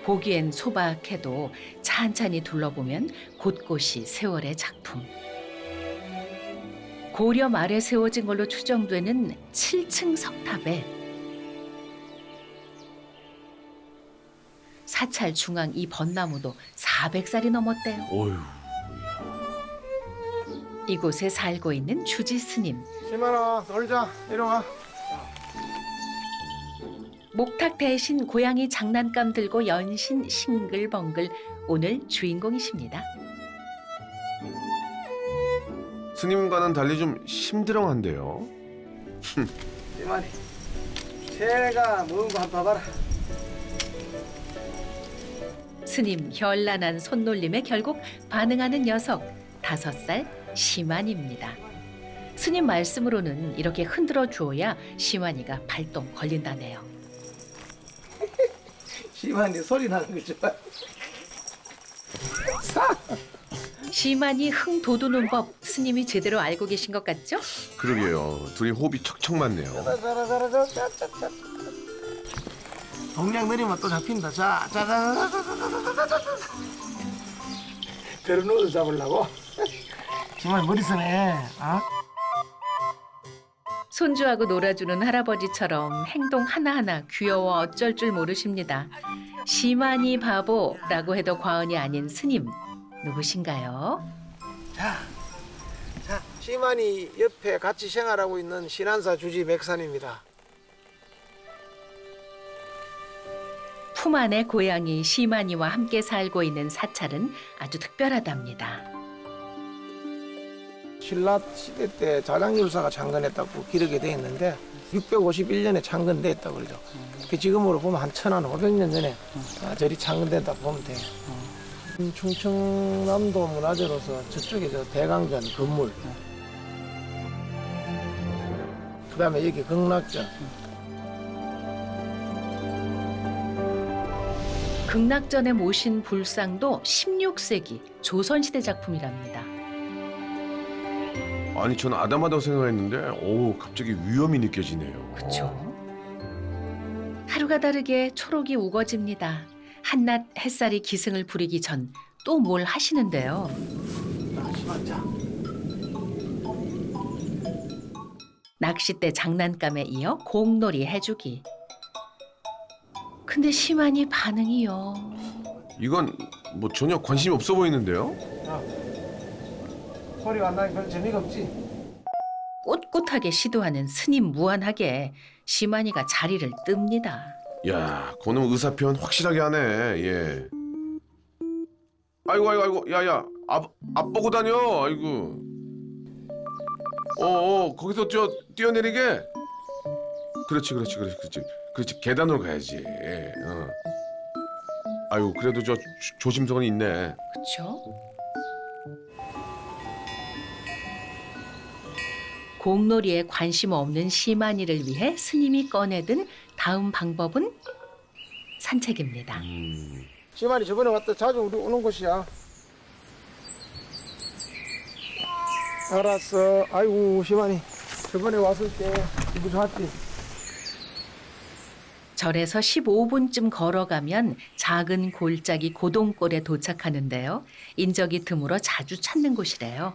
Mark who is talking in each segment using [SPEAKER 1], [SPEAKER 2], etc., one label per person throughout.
[SPEAKER 1] 보기엔 소박해도 찬찬히 둘러보면 곳곳이 세월의 작품. 고려 말에 세워진 걸로 추정되는 7층 석탑에 사찰 중앙 이 벚나무도 400살이 넘었대요.
[SPEAKER 2] 어휴.
[SPEAKER 1] 이곳에 살고 있는 주지 스님.
[SPEAKER 3] 시만아 놀자. 이리 와.
[SPEAKER 1] 목탁 대신 고양이 장난감 들고 연신 싱글벙글 오늘 주인공이십니다.
[SPEAKER 2] 스님과는 달리 좀 심드렁한데요.
[SPEAKER 3] 시만이 새가 먹은 거 한번 봐봐라.
[SPEAKER 1] 스님 현란한 손놀림에 결국 반응하는 녀석 5살 시만입니다. 스님 말씀으로는 이렇게 흔들어 주어야 시만이가 발동 걸린다네요.
[SPEAKER 3] 시만이 소리 나는 거 좋아.
[SPEAKER 1] 시만이 흥 돋우는 법 스님이 제대로 알고 계신 것 같죠?
[SPEAKER 2] 그러게요. 둘이 호흡이 척척 맞네요.
[SPEAKER 3] 자자자자자자자자. 동량 내리면 또 잡힌다. 자자자자자자자자자. 데려놓아서 잡으려고. 시만이 머리 쓰네. 어?
[SPEAKER 1] 손주하고 놀아주는 할아버지처럼 행동 하나하나 귀여워 어쩔 줄 모르십니다. 시만이 바보라고 해도 과언이 아닌 스님 누구신가요?
[SPEAKER 3] 자, 시만이 옆에 같이 생활하고 있는 신안사 주지 맥산입니다.
[SPEAKER 1] 품 안의 고양이 시만이와 함께 살고 있는 사찰은 아주 특별하답니다.
[SPEAKER 3] 신라 시대 때 자장율사가 창건했다고 기록이 돼 있는데 651년에 창건됐다고 그러죠. 그 지금으로 보면 한 1500년 전에 절이 창건됐다 보면 돼요. 충청남도 문화재로서 저쪽에 저 대강전 건물, 그다음에 여기 극락전.
[SPEAKER 1] 극락전에 모신 불상도 16세기 조선시대 작품이랍니다.
[SPEAKER 2] 아니 저는 아담하다고 생각했는데 오 갑자기 위험이 느껴지네요.
[SPEAKER 1] 그렇죠. 하루가 다르게 초록이 우거집니다. 한낮 햇살이 기승을 부리기 전 또 뭘 하시는데요.
[SPEAKER 3] 시만자.
[SPEAKER 1] 낚싯대 장난감에 이어 공놀이 해주기. 근데 시만이 반응이요.
[SPEAKER 2] 이건 뭐 전혀 관심이 없어 보이는데요.
[SPEAKER 3] 소리가 안 나니 별 재미가 없지.
[SPEAKER 1] 꼿꼿하게 시도하는 스님 무한하게 시만이가 자리를 뜹니다.
[SPEAKER 2] 야, 그놈 의사 표현 확실하게 하네. 예. 아이고, 야야, 앞 보고 다녀. 아이고. 거기서 저 뛰어내리게. 그렇지. 계단으로 가야지. 어. 아이고, 그래도 저 조심성은 있네.
[SPEAKER 1] 그렇죠? 공놀이에 관심 없는 시만이를 위해 스님이 꺼내든 다음 방법은 산책입니다.
[SPEAKER 3] 시만이 저번에 왔다 자주 우리 오는 곳이야. 알았어. 아이고 시만이 저번에 왔을 때 기분 좋았지.
[SPEAKER 1] 절에서 15분쯤 걸어가면 작은 골짜기 고동골에 도착하는데요. 인적이 드물어 자주 찾는 곳이래요.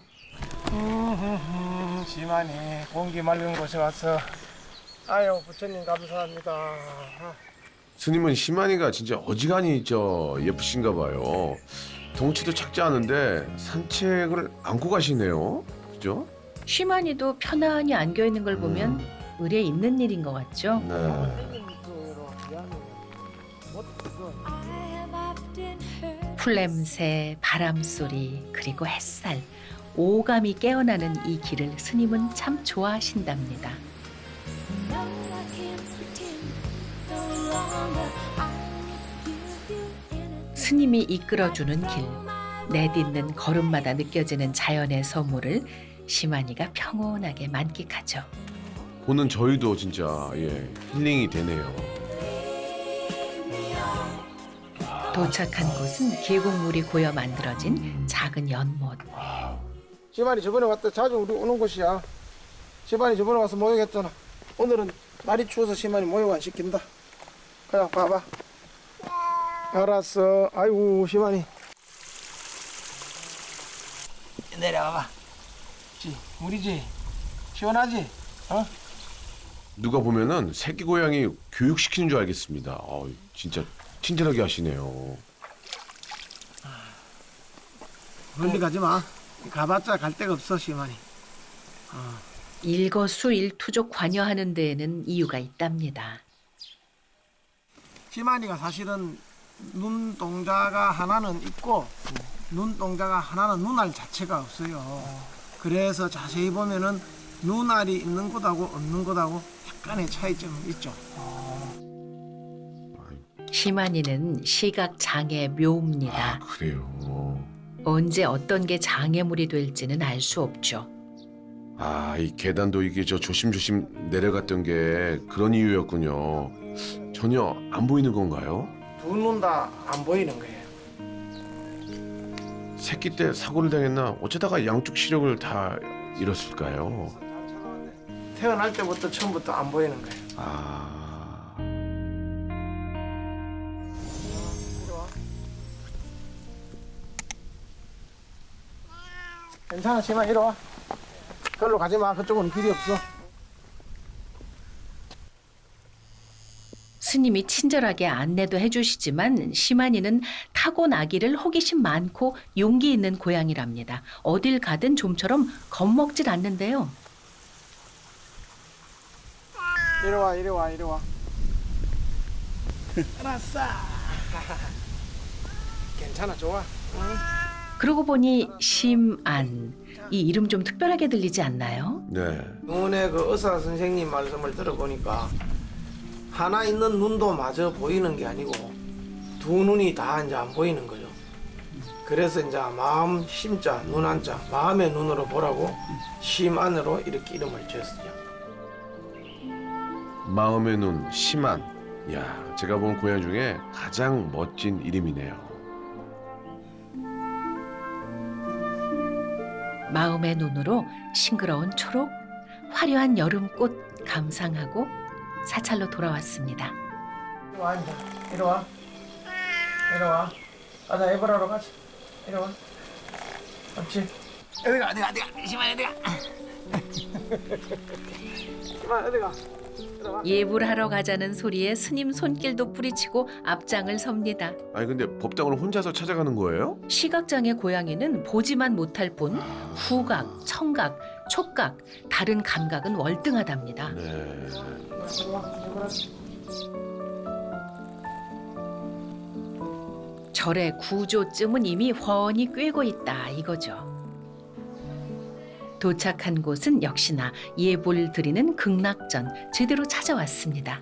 [SPEAKER 3] 시만이 공기 맑은 곳에 와서 아유 부처님 감사합니다.
[SPEAKER 2] 스님은 시만이가 진짜 어지간히 저 예쁘신가 봐요. 덩치도 작지 않은데 산책을 안고 가시네요. 그죠?
[SPEAKER 1] 시만이도 편안히 안겨있는 걸 보면 의례 있는 일인 것 같죠?
[SPEAKER 2] 네.
[SPEAKER 1] 풀냄새, 바람소리, 그리고 햇살, 오감이 깨어나는 이 길을 스님은 참 좋아하신답니다. 스님이 이끌어주는 길, 내딛는 걸음마다 느껴지는 자연의 선물을 시만이가 평온하게 만끽하죠.
[SPEAKER 2] 보는 저희도 진짜 힐링이 되네요.
[SPEAKER 1] 도착한 곳은 계곡물이 고여 만들어진 작은 연못.
[SPEAKER 3] 시만이 저번에 왔다 자주 우리 오는 곳이야. 시만이 저번에 와서 모욕했잖아. 오늘은 날이 추워서 시만이 모욕 안 시킨다. 그냥 봐봐. 알았어. 아이고 시만이. 내려와봐. 물이지. 시원하지? 어?
[SPEAKER 2] 누가 보면은 새끼 고양이 교육시키는 줄 알겠습니다. 진짜 친절하게 하시네요.
[SPEAKER 3] 멀리 가지 마. 가봤자 갈 데가 없어 시만이.
[SPEAKER 1] 일거수일투족 관여하는 데에는 이유가 있답니다.
[SPEAKER 3] 시만이가 사실은 눈동자가 하나는 있고 눈동자가 하나는 눈알 자체가 없어요. 그래서 자세히 보면은 눈알이 있는 것하고 없는 것하고 약간의 차이점이 있죠.
[SPEAKER 1] 시만이는 시각 장애 묘입니다.
[SPEAKER 2] 그래요.
[SPEAKER 1] 언제 어떤 게 장애물이 될지는 알 수 없죠.
[SPEAKER 2] 이 계단도 이게 저 조심조심 내려갔던 게 그런 이유였군요. 전혀 안 보이는 건가요?
[SPEAKER 3] 두 눈 다 안 보이는 거예요.
[SPEAKER 2] 새끼 때 사고를 당했나? 어쩌다가 양쪽 시력을 다 잃었을까요?
[SPEAKER 3] 태어날 때부터 처음부터 안 보이는 거예요. 괜찮아 시만 이리 와. 그걸로 가지 마. 그쪽은 길이 없어.
[SPEAKER 1] 스님이 친절하게 안내도 해주시지만 시만이는 타고나기를 호기심 많고 용기 있는 고양이랍니다. 어딜 가든 좀처럼 겁먹질 않는데요.
[SPEAKER 3] 이리 와 이리 와 이리 와. 알았어. 괜찮아 좋아. 응?
[SPEAKER 1] 그러고 보니 심안, 이 이름 좀 특별하게 들리지 않나요?
[SPEAKER 2] 네.
[SPEAKER 3] 눈에 그 의사 선생님 말씀을 들어보니까 하나 있는 눈도 마저 보이는 게 아니고 두 눈이 다 이제 안 보이는 거죠. 그래서 이제 마음 심자 눈 한자 마음의 눈으로 보라고 심안으로 이렇게 이름을 지었어요.
[SPEAKER 2] 마음의 눈 심한. 야, 제가 본 고양 중에 가장 멋진 이름이네요.
[SPEAKER 1] 마음의 눈으로 싱그러운 초록, 화려한 여름꽃 감상하고 사찰로 돌아왔습니다.
[SPEAKER 3] 이리 와 이제 이리 와 이리 와. 가자 에버라로 가자. 이리 와. 그렇지. 어디가 시만 어디가. 시만 어디가.
[SPEAKER 1] 예불하러 가자는 소리에 스님 손길도 뿌리치고 앞장을 섭니다.
[SPEAKER 2] 근데 법당을 혼자서 찾아가는 거예요?
[SPEAKER 1] 시각장애 고양이는 보지만 못할 뿐 후각, 청각, 촉각, 다른 감각은 월등하답니다.
[SPEAKER 2] 네.
[SPEAKER 1] 절의 구조쯤은 이미 훤히 꿰고 있다 이거죠. 도착한 곳은 역시나 예불 드리는 극락전 제대로 찾아왔습니다.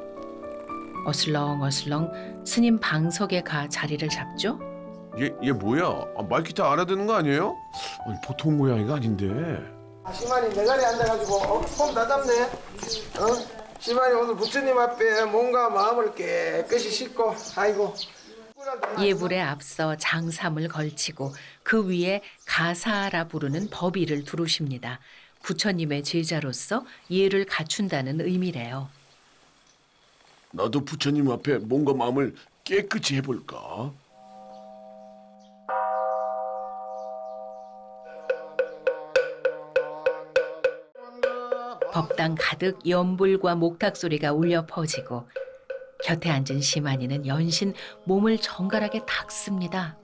[SPEAKER 1] 어슬렁어슬렁 스님 방석에 가 자리를 잡죠.
[SPEAKER 2] 얘 뭐야? 말 기타 알아듣는 거 아니에요? 보통 고양이가 아닌데.
[SPEAKER 3] 시만이 내 자리에 앉아가지고 손 다 잡네. 시만이 오늘 부처님 앞에 몸과 마음을 깨끗이 씻고 아이고.
[SPEAKER 1] 예불에 앞서 장삼을 걸치고 그 위에 가사라 부르는 법의를 두르십니다. 부처님의 제자로서 예를 갖춘다는 의미래요.
[SPEAKER 2] 나도 부처님 앞에 몸과 마음을 깨끗이 해볼까?
[SPEAKER 1] 법당 가득 연불과 목탁 소리가 울려 퍼지고 곁에 앉은 시만이는 연신 몸을 정갈하게 닦습니다.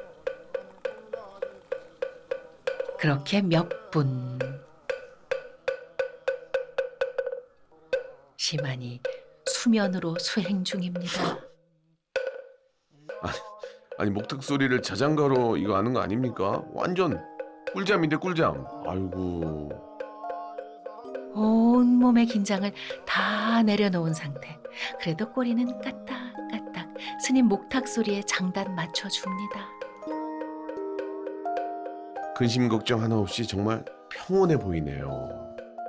[SPEAKER 1] 그렇게 몇 분. 시만이 수면으로 수행 중입니다.
[SPEAKER 2] 아니 목탁 소리를 자장가로 이거 아는 거 아닙니까? 완전 꿀잠인데 꿀잠. 아이고.
[SPEAKER 1] 온몸의 긴장을 다 내려놓은 상태. 그래도 꼬리는 까딱까딱 스님 목탁 소리에 장단 맞춰줍니다.
[SPEAKER 2] 근심 걱정 하나 없이 정말 평온해 보이네요.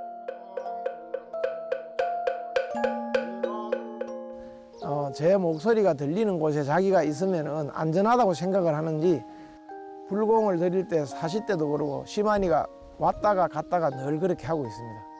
[SPEAKER 3] 제 목소리가 들리는 곳에 자기가 있으면 안전하다고 생각을 하는지 불공을 드릴 때 사실 때도 그러고 시만이가 왔다가 갔다가 늘 그렇게 하고 있습니다.